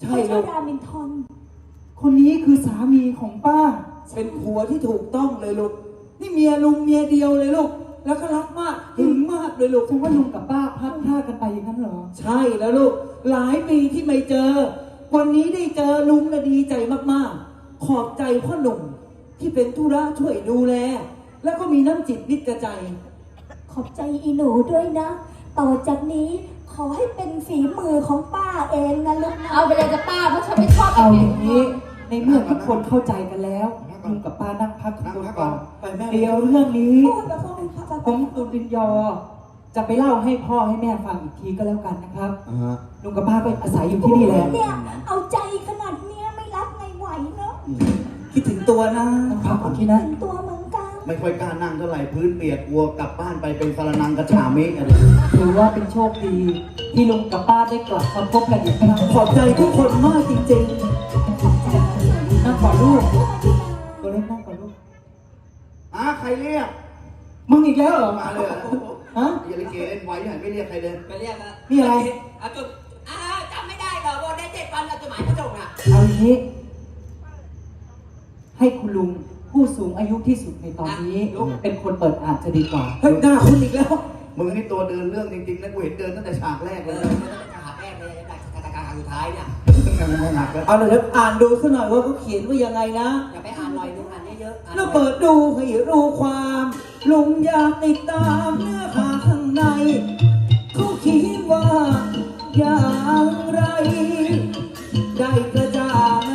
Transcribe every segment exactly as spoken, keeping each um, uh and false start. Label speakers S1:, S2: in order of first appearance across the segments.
S1: ใช่ลูกรามินทอน
S2: คนนี้คือสามีของป้า
S3: เป็นผัวที่ถูกต้องเลยลูกนี่เมียลุงเมียเดียวเลยลูกแล้วก็รักมากหึงมากเลยลูก
S2: ฉันว่าลุงกับป้าพลัดพรากกันไปอย่างนั้นเหรอ
S3: ใช่แล้วลูกหลายปีที่ไม่เจอวันนี้ได้เจอลุงน่ะดีใจมากๆขอบใจพ่อหนุ่มที่เป็นธุระช่วยดูแลแล้วก็มีน้ำจิตนิดกระใจ
S1: ขอบใจอีหนูด้วยนะต่อจากนี้ขอให้เป็นฝีมือของป้าเองนะลูกนะ
S4: เอาไปเลยจะป้าเพราะฉันไม่ชอบ
S2: เอาอย่างนี้ในเมื่อทุกคนเข้าใจกันแล้วลุงกับป้านั่งพักทุกคนก่อนเดี๋ยวเรื่องนี้ผมตุลินยอจะไปเล่าให้พ่อให้แม่ฟังอีกทีก็แล้วกันนะครับลุงกับป้าก็อาศัยอยู่ที่นี่แหละ
S1: เนี่ยเอาใจขนาดเนี้ยไม่รักไงไหวเนาะ
S3: คิดถึงตัวนะ
S2: ต้องพักก่อนที่นะ
S1: ตัวเหมือนกัน
S5: ไม่ค่อยกล้านั่งเท่าไหร่พื้นเปียกกลัวกลับบ้านไปเป็นสารนังกระฉามิอะไร
S2: ถือว่าเป็นโชคดีที่ลุงกับป้าได้กลับมาพบกันอีกครั้ง
S3: ขอบใจทุกคนมากจริง
S2: ๆนั่งก่อนลูกตัวเล็กนั่งก่อนลูก
S5: อ่ะใครเรียก
S2: มึงอีกแล้วเหรอ
S5: มาเลย
S2: ฮะ
S5: อย่าลิเกเล่นไว้หน่อยไม่เรียกใครเลย
S6: ไปเรียกอะ
S2: นี่อะไร
S6: อ่ะจุดอ่าจำไม่ได้เหรอว่าได้เจ็ดวันเอาจดหมายมาส่งอ่ะ
S2: เอาอย่างนี้ให้คุณลุงผู้สูงอายุที่สุดในตอนนี้เป็นคนเปิดอ่านจะดีกว่า
S3: เฮ้ยหน้าคุณอีกแล้ว
S5: มึงนี่ตัวเดินเรื่องจริงๆนะกูเห็นเดินตั้งแต่ฉากแรกเลย
S6: มันต้องเป็นฉากแรกเลยแต่ฉากสุดท้ายเนี่ย
S3: เอาเลยครับอ่านดูสักหน่อยว่าเขาเขียนว่ายังไงนะ
S6: อย่าไปอ่านหน่อยนึงอ่านเยอะ
S3: ๆแล้วเปิดดูให้รู้ความลุงอยากติดตามเนื้อหาข้างในเขาเขียนว่าอย่างไรได้กระจ่าง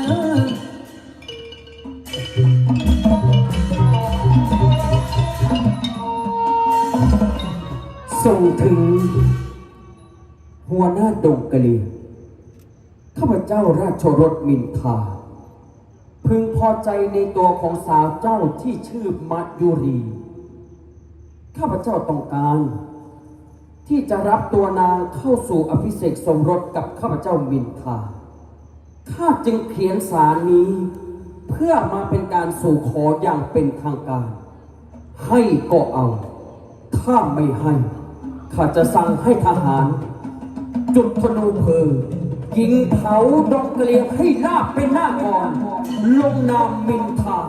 S7: ส่งถึงหัวหน้าดงกะลีข้าพเจ้าราชรสมินทาพึงพอใจในตัวของสาวเจ้าที่ชื่อมัจยุรีข้าพเจ้าต้องการที่จะรับตัวนางเข้าสู่อภิเษกสมรสกับข้าพเจ้ามินทาข้าจึงเขียนสารนี้เพื่อมาเป็นการสู่ขออย่างเป็นทางการให้ก็เอาถ้าไม่ให้ข้าจะสั่งให้ทหารจุดธนูเพลิงยิงเผาดงกะเลียงให้ลาบเป็นหน้าก่อนลงนามมินทา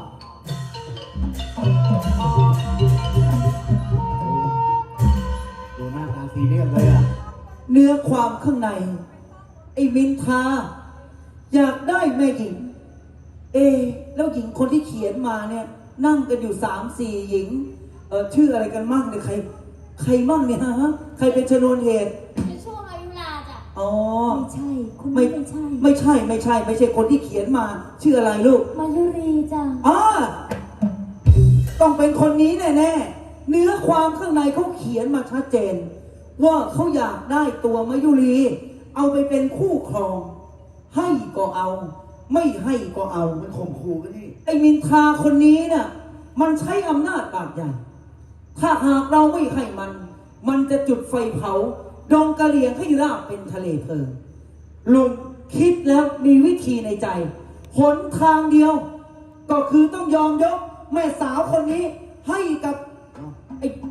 S5: ดูหน้าตาซีเรียสเลยอ่ะ
S3: เนื้อความข้างในไอ้มินทาอยากได้แม่หญิงเอแล้วหญิงคนที่เขียนมาเนี่ยนั่งกันอยู่สามสี่หญิงเออชื่ออะไรกันมั่งเนี่ยใครใครมั่งเนี่ยฮะใครเป็นชนวนเหตุ
S4: ช่วงอายุราจ้ะ
S3: อ๋อ
S1: ไม่ใช่คุณไม่ใช่
S3: ไม่ใช่ไม่ใช่ไม่ใช่คนที่เขียนมาชื่ออะไรลูก
S1: มายุรีจ้ะ
S3: อ๋อต้องเป็นคนนี้แน่ๆเนื้อความข้างในเขาเขียนมาชัดเจนว่าเขาอยากได้ตัวมายุรีเอาไปเป็นคู่ครองให้ก็เอาไม่ให้ก็เอา
S5: มันข่มขู่กันนี่
S3: ไอ้มินทาคนนี้น่ะมันใช้อำนาจบาดใหญ่ถ้าหากเราไม่ให้มันมันจะจุดไฟเผาดงกะเหรี่ยงให้ราบเป็นทะเลเพลิงลุงคิดแล้วมีวิธีในใจหนทางเดียวก็คือต้องยอมยกแม่สาวคนนี้ให้กับไอ้